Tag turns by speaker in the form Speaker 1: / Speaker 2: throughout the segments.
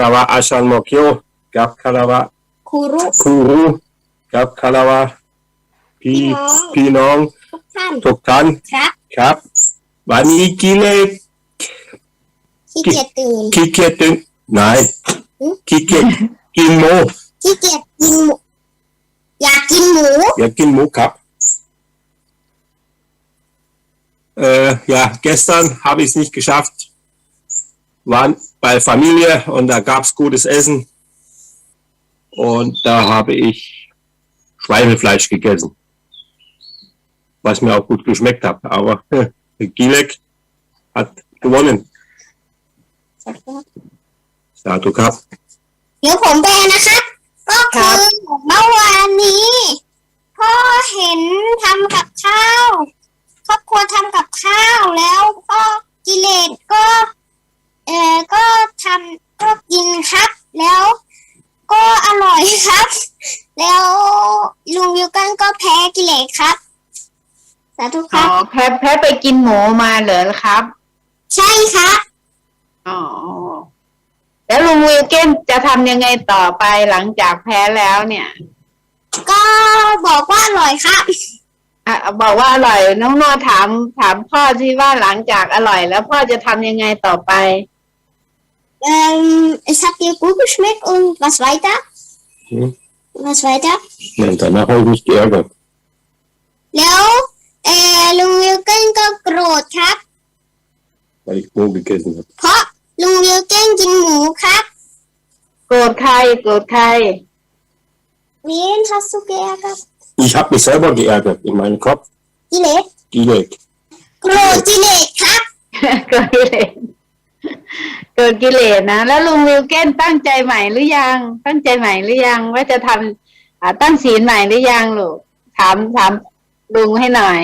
Speaker 1: Kalawa Ashan Mokyo กับคาราวะ
Speaker 2: คูรุ
Speaker 1: กับคาราวะพี่น้องทุกท่านครับวันนี้กิเลส
Speaker 2: ขี้เกียจ
Speaker 1: ตื่นไหนขี้เกียจกินหมู
Speaker 2: อยากกินหมู
Speaker 1: ครับ Ja, gestern habe ich es nicht geschafft. Waren bei Familie und da gab es gutes Essen. Und da habe ich Schweinefleisch gegessen. Was mir auch gut geschmeckt hat. Aber Gilek hat gewonnen. Satu Cup.
Speaker 2: เดี๋ยวผมแปลนะครับก็คือเมื่อวานนี้พ่อเห็นทำกับข้าวครอบครัวทำกับข้าวแล้วก็กิเลสก็ทำก็กินครับแล้วก็อร่อยครับแล้วลุงวิวกันก็แพ้กิเลสครับสาธุครับ
Speaker 3: แพ้ไปกินหมูมาเหรอครับ
Speaker 2: ใช่ครับ
Speaker 3: อ๋อแล้วลุงวิลเกนจะทำยังไงต่อไปหลังจากแพ้แล้วเนี่ย
Speaker 2: ก็บอกว่าอร่อยครับ
Speaker 3: บอกว่าอร่อยน้องโนถามพ่อที่ว่าหลังจากอร่อยแล้วพ่อจะทำยังไงต่อไป
Speaker 2: es hat dir gut geschmeckt und was weiter
Speaker 1: Nein, danach habe ich mich geärgert
Speaker 2: แล้วลุงวิลเกนก็โกรธครับ
Speaker 1: weil ich Mo gegessen habe
Speaker 2: เพราะลุงวิลเกนกินหมูครับ
Speaker 3: โกรธใคร
Speaker 2: Wen hast du geärgert
Speaker 1: Ich habe mich selber geärgert in meinem Kopf
Speaker 2: กิเลสโกรธกิเลสครับ
Speaker 3: โกรธกิเลสนะแล้วลุงวิลเกนตั้งใจใหม่หรือยังว่าจะทำตั้งศีลใหม่หรือยังลูกถามลุงให้หน่อย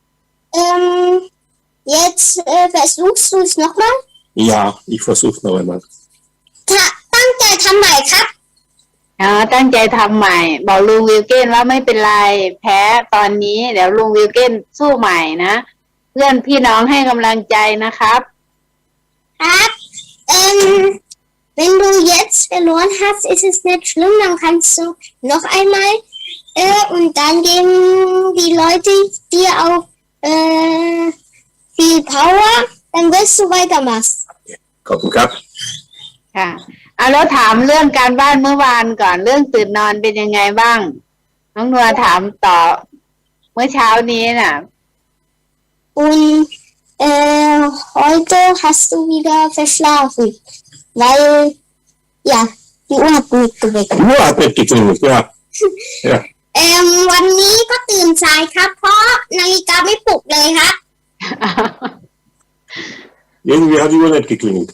Speaker 2: jetzt versuchst du es nochmal
Speaker 1: Ja ich versuche noch einmal
Speaker 2: ตั้งใจทำใหม่ครับ
Speaker 3: ตั้งใจทำใหม่บอกลุงวิลเกนว่าไม่เป็นไรแพ้ตอนนี้เดี๋ยวลุงวิลเกนสู้ใหม่นะเพื่อนพี่น้องให้กำลังใจนะครับ
Speaker 2: wenn du jetzt verloren hast ist es nicht schlimm dann kannst du noch einmal und dann geben die Leute dir auch viel Power dann wirst du weitermachen
Speaker 1: ขอบคุณครับ
Speaker 3: ค่ะแล้วถามเรื่องการบ้านเมื่อวานก่อนเรื่องตื่นนอนเป็นยังไงบ้างน้องนัวถามต่อเมื่อเช้านี้น่ะ
Speaker 2: und heute hast du wieder verschlafen weil ja die Uhr hat nicht geweckt
Speaker 1: ja
Speaker 2: วันนี้ก็ตื่นสายครับเพราะนาฬิกาไม่ปลุกเลยครับ
Speaker 1: irgendwie hat die Uhr nicht geklingelt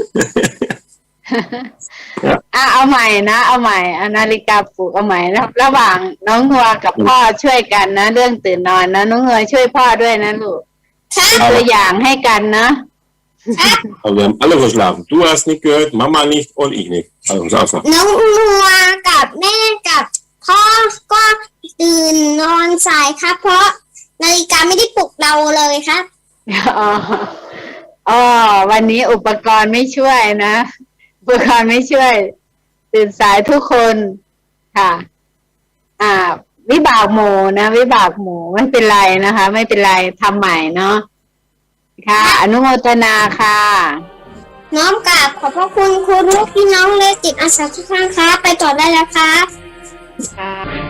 Speaker 3: เอาใหม่นะเอาใหม่นาฬิกาปลุกเอาใหม่นะระหว่างน้องนัวกับพ่อช่วยกันนะเรื่องตื่นนอนนะน้องนัวช่วยพ่อด้วยนะลูกตัวอย่างให้กันนะ
Speaker 1: Aber wir haben alle verschlafen. Du hast nicht gehört, Mama nicht und ich nicht. Also sag's
Speaker 2: น้องนัวกับแม่กับพ่อก็ตื่นนอนสายครับเพราะนาฬิกาไม่ได้ปลุกเราเลยครับ
Speaker 3: วันนี้อุปกรณ์ไม่ช่วยนะอุปกรณ์ไม่ช่วยตื่นสายทุกคนค่ะวิบากหมู่นะวิบากหมู่ไม่เป็นไรนะคะไม่เป็นไรทำใหม่เนาะค่ะอนุโมทนาค่ะ
Speaker 2: น้อมกราบขอบพระคุณครูลูกพี่น้องและจิตอาสาทุกท่านครับไปต่อได้แล้วครับ
Speaker 3: ค่ะ